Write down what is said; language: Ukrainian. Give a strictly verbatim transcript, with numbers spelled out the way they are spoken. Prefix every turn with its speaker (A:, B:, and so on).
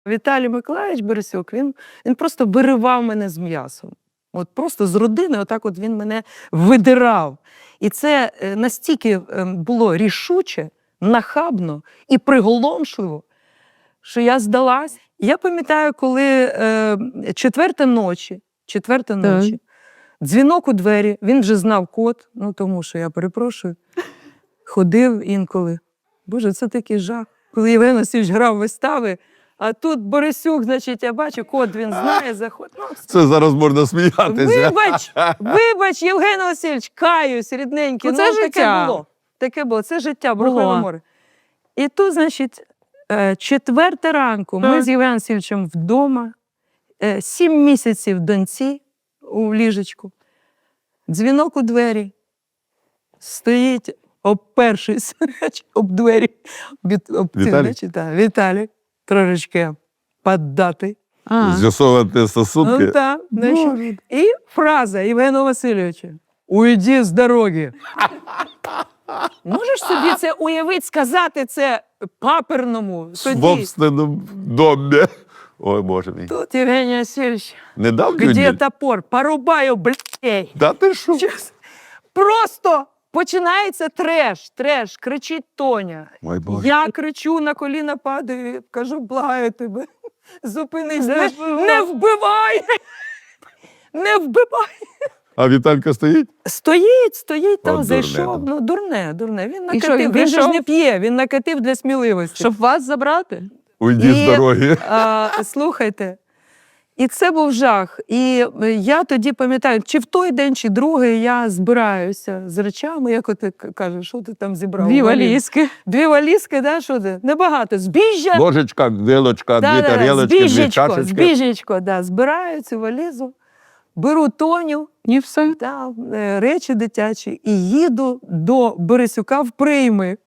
A: Віталій Миколайович Борисюк, він, він просто виривав мене з м'ясом. От просто з родини, отак от він мене видирав. І це настільки було рішуче, нахабно і приголомшливо, що я здалась. Я пам'ятаю, коли е, четверта ночі, четверта ночі, дзвінок у двері, він вже знав код, ну тому що, я перепрошую, ходив інколи. Боже, це такий жах. Коли Євген Васильович грав вистави, а тут Борисюк, значить, я бачу, код він знає, заходить. Ну,
B: це зараз можна сміятися.
A: Вибач, вибач, Євген Васильович, каюсь, рідненький.
C: Ну, це
A: ну,
C: життя.
A: Таке було. Таке було. Це життя, Бурхове
C: Було.
A: море. І тут, значить, четверта ранку, ми
C: Так.
A: з Євгеном Васильовичем вдома, сім місяців доньці у ліжечку, дзвінок у двері, стоїть, обпершись об двері, від, об ці,
B: Віталій?
A: значить, так, Віталій, трошечки поддатий.
C: А.
B: З'ясовувати стосунки.
A: Ну, так, значить. І фраза Євгена Васильовича: «Уйди з дороги». Можеш собі це уявити, сказати це паперному
B: В
A: тоді?
B: собственному домі. Ой, Боже мій.
A: Тут Євгеній Васильович,
B: Не дав
A: где
B: людям?
A: топор? Порубаю, блядь.
B: Да ти що?
A: Чесно. Просто починається треш, треш, кричить Тоня.
B: Ой, Боже.
A: Я кричу, на коліна падаю, кажу, благаю тебе, зупинись, не, не вбивай! Не вбивай!
B: А Віталька стоїть?
A: Стоїть, стоїть там,
B: От
A: зайшов,
B: дурне,
A: ну дурне, дурне. Він
C: І що,
A: накатив,
C: він
A: він, же ж
C: прийшов?
A: не п'є, він накатив для сміливості.
C: Щоб вас забрати?
B: Уйди
A: І,
B: з дороги.
A: А, слухайте, і це був жах. І я тоді пам'ятаю, чи в той день, чи другий я збираюся з речами, як ти кажеш, що ти там зібрав?
C: Дві валізки.
A: Дві валізки, да, що ти? Небагато. Збіжжя.
B: Ложечка, вилочка,
A: Да,
B: дві
A: да, да,
B: тарілочки, дві
A: збіжечко,
B: чашечки.
A: збіжечко, да, збираю цю валізу, беру Тоню,
C: І все.
A: да, е, речі дитячі і їду до Борисюка в прийми.